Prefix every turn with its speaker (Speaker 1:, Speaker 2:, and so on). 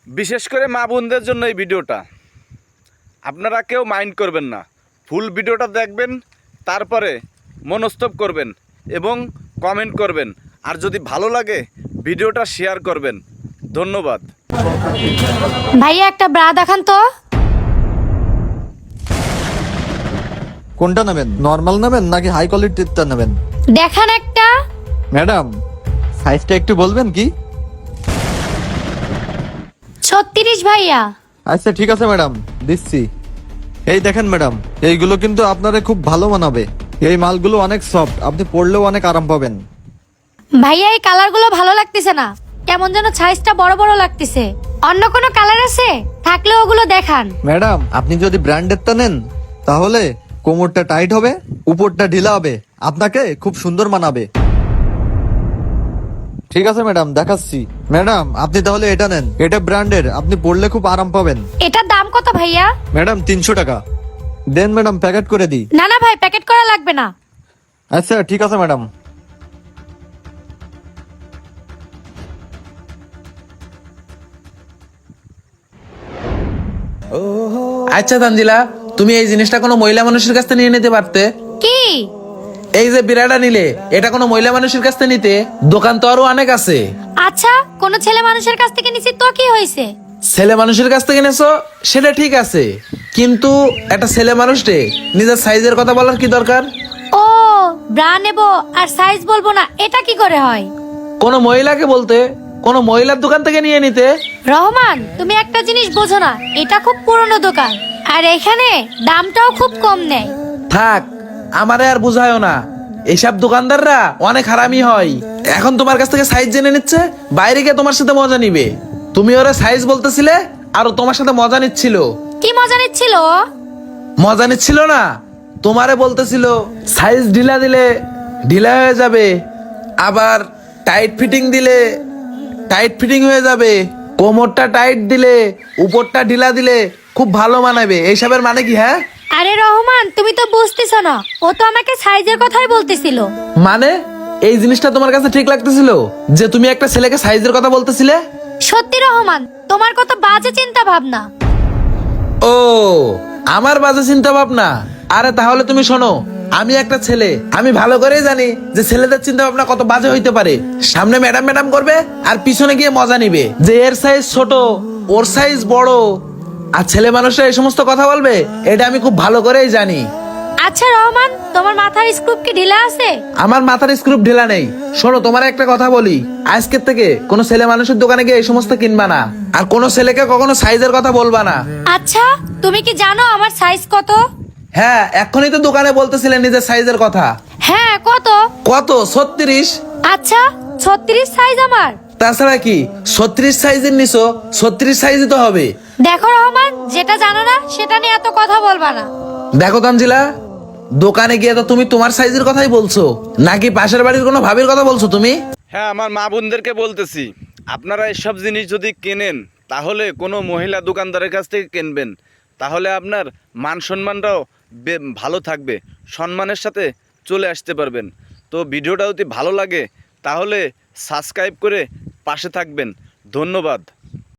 Speaker 1: বিশেষ করে মা বোনদের জন্য এই ভিডিওটা। আপনারা কেউ মাইন্ড করবেন না, ফুল ভিডিওটা দেখবেন, তারপরে মনস্তব করবেন এবং কমেন্ট করবেন। আর যদি ভালো লাগে ভিডিওটা শেয়ার করবেন। ধন্যবাদ।
Speaker 2: ভাইয়া একটা ব্রা দেখান তো।
Speaker 3: কোনটা নেবেন, নর্মাল নেবেন নাকি হাই কোয়ালিটিরটা নেবেন?
Speaker 2: দেখান একটা।
Speaker 3: ম্যাডাম সাইজটা একটু বলবেন কি?
Speaker 2: 36 ভাইয়া।
Speaker 3: আচ্ছা ঠিক আছে ম্যাডাম, দিচ্ছি। এই দেখেন ম্যাডাম, এইগুলো কিন্তু আপনারে খুব ভালো মানাবে। এই মালগুলো অনেক সফট, আপনি পরলেও অনেক আরাম পাবেন।
Speaker 2: ভাইয়া এই কালারগুলো ভালো লাগতেছে না, কেমন যেন সাইজটা বড় বড় লাগতেছে। অন্য কোনো কালার আছে? থাকলে ওগুলো দেখান।
Speaker 3: ম্যাডাম আপনি যদি ব্র্যান্ডেরটা নেন তাহলে কোমরটা টাইট হবে, উপরটা ঢিলা হবে, আপনাকে খুব সুন্দর মানাবে। ঠিক আছে ম্যাডাম, দেখাচ্ছি। ম্যাডাম আপনি তাহলে এটা নেন, এটা ব্র্যান্ডের, আপনি পরলে খুব আরাম পাবেন।
Speaker 2: এটার দাম কত ভাইয়া?
Speaker 3: ম্যাডাম 300 টাকা দেন ম্যাডাম, প্যাকেট করে দিই।
Speaker 2: না না ভাই, প্যাকেট করা লাগবে না।
Speaker 3: আচ্ছা ঠিক আছে ম্যাডাম।
Speaker 4: আচ্ছা তানজিলা, তুমি এই জিনিসটা কোনো মহিলা মানুষের কাছ থেকে নিয়ে নিতে পারতে।
Speaker 2: কি?
Speaker 4: এই যে বিড়াটা নিলে, এটা কোনো মহিলা মানুষের কাছ থেকে নিতে। দোকান তো আরো অনেক আছে।
Speaker 2: আচ্ছা, কোন ছেলে মানুষের কাছ থেকে নিছি তো কি হয়েছে?
Speaker 4: ছেলে মানুষের কাছ থেকে নেছো সেটা ঠিক আছে, কিন্তু একটা ছেলে মানুষকে নিজের সাইজের কথা বলার কি দরকার?
Speaker 2: ও, ব্রা নেব আর সাইজ বলবো না, এটা কি করে হয়?
Speaker 4: কোনো মহিলাকে বলতে, কোনো মহিলার দোকান থেকে নিয়ে নিতে।
Speaker 2: রহমান, তুমি একটা জিনিস বোঝো না, এটা খুব পুরনো দোকান আর এখানে দামটাও খুব কম নেয়।
Speaker 4: থাক, আমারে আর বুঝায়ও না। এইসব দোকানদাররা অনেক হারামি হয়। এখন তোমার কাছ থেকে সাইজ জেনে নিচ্ছে, বাইরে গিয়ে তোমার সাথে মজা নিবে। তুমি ওরা সাইজ বলতেছিলে আর ও তোমার সাথে মজা নিচ্ছিল।
Speaker 2: কি মজা নিচ্ছিল?
Speaker 4: মজা নিচ্ছিল না, তোমারে বলতেছিল সাইজ ঢিলা দিলে ঢিলা হয়ে যাবে, আবার টাইট ফিটিং দিলে টাইট ফিটিং হয়ে যাবে, কোমরটা টাইট দিলে উপরটা ঢিলা দিলে খুব ভালো মানাবে। এইসবের মানে কি? হ্যাঁ
Speaker 2: আরে রহমান, তুমি তো বুঝতেছো না, ও তো আমাকে সাইজের কথাই বলতেছিল।
Speaker 4: মানে এই জিনিসটা তোমার কাছে ঠিক লাগতেছিল যে তুমি একটা ছেলেকে সাইজের কথা বলতেছিলে?
Speaker 2: সত্যি রহমান, তোমার কত বাজে চিন্তা ভাবনা।
Speaker 4: ও, আমার বাজে চিন্তা ভাবনা? আরে তাহলে তুমি শোনো, আমি একটা ছেলে, আমি ভালো করেই জানি যে ছেলেদের চিন্তা ভাবনা কত বাজে হইতে পারে। সামনে ম্যাডাম ম্যাডাম করবে আর পিছনে গিয়ে মজা নিবে যে এর সাইজ ছোট, ওর সাইজ বড়, আর ছেলে মানুষরা এই সমস্ত কথা বলবে, এটা আমি খুব ভালো করেই জানি।
Speaker 2: আচ্ছা রহমান, তোমার মাথার স্ক্রু কি ঢিলা আছে?
Speaker 4: আমার মাথার স্ক্রু ঢিলা নেই। শোনো, তোমার একটা কথা বলি, আজকের থেকে কোনো ছেলে মানুষের দোকানে গিয়ে এই সমস্ত কিনবা না, আর কোনো ছেলেকে কখনো সাইজের কথা বলবা না।
Speaker 2: আচ্ছা, তুমি কি জানো আমার সাইজ কত?
Speaker 4: হ্যাঁ, এখনই তো দোকানে বলতেছিলেন নিজের সাইজের কথা।
Speaker 2: হ্যাঁ, কত?
Speaker 4: কত? 36।
Speaker 2: আচ্ছা, 36 সাইজ আমার।
Speaker 4: তাছাড়া কি 36 সাইজের নিছো? 36 সাইজই তো হবে।
Speaker 2: দেখো রহমান, যেটা জানো না সেটা নিয়ে এত কথা বলবা না।
Speaker 4: দেখো তানজিলা, দোকানে গিয়ে তো তুমি তোমার সাইজের কথাই বলছো, নাকি পাশের বাড়ির কোনো ভাবির কথা বলছো তুমি?
Speaker 1: হ্যাঁ, আমার মা বোনদেরকে বলতেছি, আপনারা এসব জিনিস যদি কেনেন তাহলে কোনো মহিলা দোকানদারের কাছ থেকে কিনবেন, তাহলে আপনার মান সম্মানটাও ভালো থাকবে, সম্মানের সাথে চলে আসতে পারবেন। তো ভিডিওটা যদি ভালো লাগে তাহলে সাবস্ক্রাইব করে পাশে থাকবেন। ধন্যবাদ।